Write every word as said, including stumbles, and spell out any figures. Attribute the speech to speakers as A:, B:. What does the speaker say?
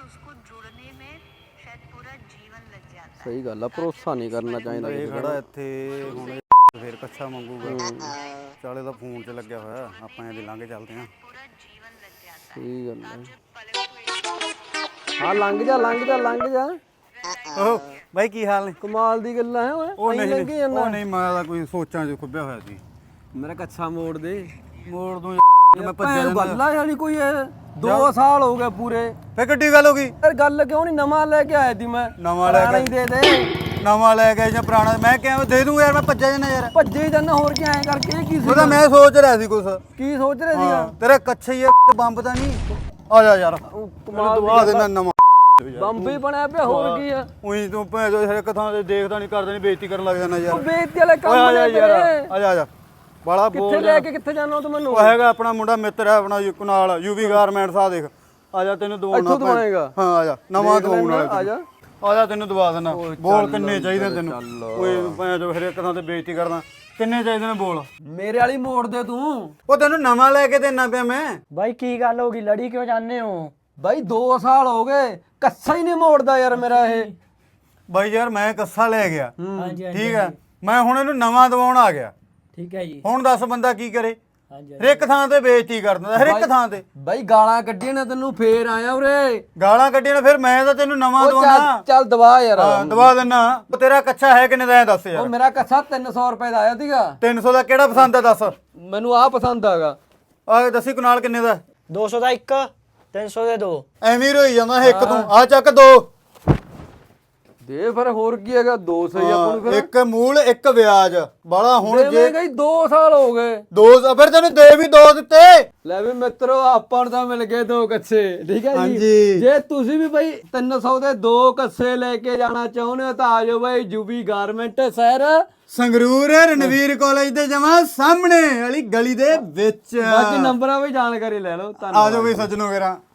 A: उसको जुड़ने में शायद पूरा जीवन लग जाता है।
B: ਸਹੀ ਗੱਲ ਆ, ਭਰੋਸਾ ਨਹੀਂ ਕਰਨਾ ਚਾਹੀਦਾ
C: ਇਹ
B: ਕਿਸੇ
C: ਖੜਾ
B: ਦਾ।
C: ਇੱਥੇ ਹੁਣ ਫੇਰ ਕੱਛਾ ਮੰਗੂਗਾ। ਚਾਲੇ ਦਾ ਫੋਨ 'ਚ ਲੱਗਿਆ ਹੋਇਆ, ਆਪਾਂ ਇਹਦੇ ਲੰਘ ਚੱਲਦੇ ਹਾਂ।
A: पूरा जीवन लग जाता है।
B: ਸਹੀ ਗੱਲ ਹੈ।
A: जो पलक हुए
B: ਹਾਂ ਲੰਘ ਜਾ ਲੰਘ ਜਾ ਲੰਘ ਜਾ।
C: ਓਹ ਬਾਈ ਕੀ ਹਾਲ ਨੇ?
B: ਕਮਾਲ ਦੀ ਗੱਲਾਂ ਹੈ ਓਏ,
C: ਉਹ
B: ਐਂ
C: ਨਹੀਂ
B: ਲੰਘੀ ਜਾਂਦਾ।
C: ਉਹ ਨਹੀਂ, ਮੈਂ ਤਾਂ ਕੋਈ ਸੋਚਾਂ 'ਚ ਖੁੱਬਿਆ ਹੋਇਆ ਸੀ।
B: ਮੇਰਾ ਕੱਛਾ ਮੋੜ ਦੇ।
C: ਮੋੜ ਦੂੰ ਮੈਂ
B: ਭੈਣ
C: ਭੱਜਿਆ ਜਾਂਦਾ।
B: ਗੱਲ ਆ ਯਾਰੀ ਕੋਈ ਇਹ ਦੋ ਸਾਲ ਹੋ ਗਏ ਪੂਰੇ।
C: ਫੇਰ ਕਿੱਡੀ ਗੱਲ ਹੋ ਗਈ?
B: ਯਾਰ ਗੱਲ ਕਿਉਂ ਨਹੀਂ, ਨਵਾਂ ਲੈ ਕੇ ਆਇਆ ਸੀ ਮੈਂ।
C: ਨਵਾਂ ਲੈ
B: ਪੁਰਾਣਾ
C: ਕੇ
B: ਹੀ ਦੇ ਦੇ।
C: ਨਵਾਂ ਲੈ ਕੇ ਜਾਂ ਪੁਰਾਣਾ ਮੈਂ ਕਿਹਾ ਦੇ ਦੂੰ ਯਾਰ, ਮੈਂ ਭੱਜਿਆ ਜਾਂਦਾ ਯਾਰ।
B: ਭੱਜੇ ਜਾਂਦਾ ਹੋਰ ਕੀ, ਐਂ ਕਰਕੇ ਇਹ ਕੀ ਸੀ?
C: ਉਹਦਾ ਮੈਂ ਸੋਚ ਰਿਹਾ ਸੀ ਕੁਛ।
B: ਕੀ ਸੋਚ ਰਹੇ ਸੀਗਾ?
C: ਹਾਂ ਤੇਰਾ ਕੱਛਾ ਹੀ ਬੰਬ ਤਾਂ ਨਹੀਂ? ਆ ਜਾ ਯਾਰ,
B: ਉਹ ਕਮਾਲ ਦੀ
C: ਦਵਾ
B: ਗੱਲ
C: ਦੇਣਾ
B: ਆ।
C: ਨਵਾਂ।
B: ਬੰਬੀ ਬਣਿਆ ਪਿਆ, ਹੋਰ ਕੀ ਆ?
C: ਉਹੀ ਤੂੰ ਭੈਣ ਜੋ ਹਰ ਇੱਕ ਥਾਂ ਤੇ ਦੇਖਦਾ ਨਹੀਂ, ਕਰਦਾ ਨਹੀਂ, ਬੇਇੱਜ਼ਤੀ ਕਰਨ ਲੱਗ ਜਾਂਦਾ
B: ਉਹ
C: ਯਾਰ।
B: ਬੇਇੱਜ਼ਤੀ ਵਾਲੇ
C: ਓਏ
B: ਕੰਮ
C: ਆ ਜਾ
B: ਨੇ
C: ਯਾਰ,
B: ਤੇਰੇ।
C: ਆ ਜਾ ਆ ਜਾ ਬਾਲਾ
B: ਕਿੱਥੇ
C: ਬੋਲ
B: ਲੈ ਕੇ ਕਿੱਥੇ ਜਾਣਾ ਤੂੰ ਮੈਨੂੰ?
C: ਉਹ ਹੈਗਾ ਆਪਣਾ ਮੁੰਡਾ ਮਿੱਤਰ ਹੈ ਆਪਣਾ ਯੂ- ਨਾਲ ਯੂਵੀ ਗਾਰਮੈਂਟਸ ਆ ਦੇਖ। ਆ ਜਾ ਤੈਨੂੰ ਦਵਾਉਣਾ
B: ਇੱਥੋਂ ਦਵਾਏਗਾ?
C: ਹਾਂ ਆ ਜਾ, ਨਵਾਂ
B: ਦੇਖ
C: ਦਵਾਉਣ
B: ਲੈਂਦਾ,
C: ਵਾਲਾ
B: ਆ ਜਾ।
C: ਆ ਜਾ ਤੈਨੂੰ ਦਵਾ ਦੇਣਾ।
B: ਓਏ
C: ਬੋਲ
B: ਚੱਲ
C: ਕਿੰਨੇ ਚਾਹੀਦੇ
B: ਅੰਦਰ
C: ਤੈਨੂੰ?
B: ਚੱਲ।
C: ਓਏ ਭੈਣ ਜੋ ਹਰ ਇੱਕ ਥਾਂ ਤੇ ਬੇਇੱਜ਼ਤੀ ਕਰਦਾ। ਕਿੰਨੇ ਚਾਹੀਦੇ ਨੇ ਬੋਲ?
B: ਮੇਰੇ ਵਾਲੀ ਮੋੜ ਦੇ ਤੂੰ।
C: ਉਹ ਤੈਨੂੰ ਨਵਾਂ ਲੈ ਕੇ ਦੇਣਾ ਪਿਆ ਮੈਂ।
D: ਬਾਈ ਕੀ ਗੱਲ ਹੋ ਗਈ, ਲੜੀ ਕਿਉਂ ਜਾਂਦੇ ਹੋ?
B: ਬਾਈ ਦੋ ਸਾਲ ਹੋ ਗਏ, ਕੱਸਾ ਹੀ ਨਹੀਂ ਮੋੜਦਾ ਯਾਰ ਮੇਰਾ ਇਹ।
C: ਬਾਈ ਯਾਰ ਮੈਂ ਕੱਸਾ ਲੈ ਗਿਆ,
D: ਹਾਂਜੀ ਹਾਂਜੀ
C: ਠੀਕ ਹੈ, ਮੈਂ ਹੁਣ ਇਹਨੂੰ ਨਵਾਂ ਦਵਾਉਣ ਆ ਗਿਆ।
D: ਠੀਕ ਹੈ ਜੀ।
C: ਹੁਣ ਦੱਸ ਬੰਦਾ ਕੀ ਕਰੇ?
D: ਹਾਂਜੀ
C: ਹਰ ਇੱਕ ਥਾਂ ਤੇ ਬੇਇੱਜ਼ਤੀ ਕਰ ਦਿੰਦਾ, ਹਰ ਇੱਕ ਥਾਂ ਤੇ
B: ਬਾਈ ਗਾਲਾਂ ਕੱਢੀਆਂ ਨੇ ਤੈਨੂੰ, ਫੇਰ ਆਇਆ ਉਰੇ।
C: ਗਾਲਾਂ ਕੱਢੀਆਂ ਨੇ, ਫਿਰ ਮੈਂ ਤਾਂ ਤੈਨੂੰ ਨਵਾਂ
B: ਉਹ
C: ਦਵਾਉਣਾ।
B: ਚੱਲ ਚੱਲ ਦਵਾ ਯਾਰ।
C: ਹਾਂ ਦਵਾ ਦੇਣਾ। ਉਹ ਤੇਰਾ ਕੱਛਾ ਹੈ ਕਿੰਨੇ ਦਾ ਐ ਦੱਸ
B: ਉਹ
C: ਯਾਰ।
B: ਮੇਰਾ ਕੱਛਾ ਤਿੰਨ ਸੌ ਰੁਪਏ ਦਾ ਆਇਆ ਸੀਗਾ।
C: ਤਿੰਨ ਸੌ ਦਾ ਕਿਹੜਾ ਪਸੰਦ ਆ ਦੱਸ?
B: ਮੈਨੂੰ ਆਹ ਪਸੰਦ ਆਗਾ।
C: ਆ ਦੱਸੀ ਕੁਨਾਲ ਕਿੰਨੇ ਦਾ?
D: ਦੋ ਸੌ ਦਾ ਇੱਕ, ਤਿੰਨ ਸੌ ਦੇ ਦੋ।
C: ਐਵੇਂ ਹੀ ਰੋਈ ਜਾਂਦਾ ਇੱਕ ਤੂੰ। ਆ ਚੱਕ ਦੋ।
B: ਦੇ ਫਿਰ ਹੋਰ ਕੀ ਹੈਗਾ, ਦੋ ਸੌ ਹੀ ਆਪਾਂ ਨੂੰ ਫਿਰ
C: ਇੱਕ ਮੂਲ ਇੱਕ ਵਿਆਜ ਬਾਲਾ। ਹੁਣ ਜੇ
B: ਦੇਵੇਂਗਾ ਹੀ, ਦੋ ਸਾਲ ਹੋ ਗਏ।
C: ਦੋ ਫਿਰ ਤੈਨੂੰ ਦੇ ਵੀ ਦੋ ਦਿੱਤੇ।
B: ਲੈ ਵੀ ਮਿੱਤਰੋ, ਆਪਾਂ ਨੂੰ ਤਾਂ ਮਿਲ ਗਏ ਦੋ ਕੱਛੇ, ਠੀਕ ਹੈ ਜੀ।
C: ਹਾਂਜੀ।
B: ਜੇ ਤੁਸੀਂ ਵੀ ਬਾਈ ਤਿੰਨ ਸੌ ਦੇ ਦੋ ਕੱਛੇ ਲੈ ਕੇ ਜਾਣਾ ਚਾਹੁੰਦੇ ਹੋ ਤਾਂ ਆ ਜਾਓ ਬਾਈ ਯੂਵੀ ਗਾਰਮੈਂਟ ਸ਼ਹਿਰ
C: ਸੰਗਰੂਰ ਰਣਵੀਰ ਕਾਲਜ ਦੇ ਜਮਾ ਸਾਹਮਣੇ ਵਾਲੀ ਗਲੀ ਦੇ ਵਿੱਚ।
B: ਬਾਕੀ ਨੰਬਰਾਂ ਵੀ ਜਾਣਕਾਰੀ ਲੈ ਲਓ। ਧੰਨਵਾਦ।
C: ਆ ਜਾਓ ਵੀ ਸੱਜਣੋ ਮੇਰਾ।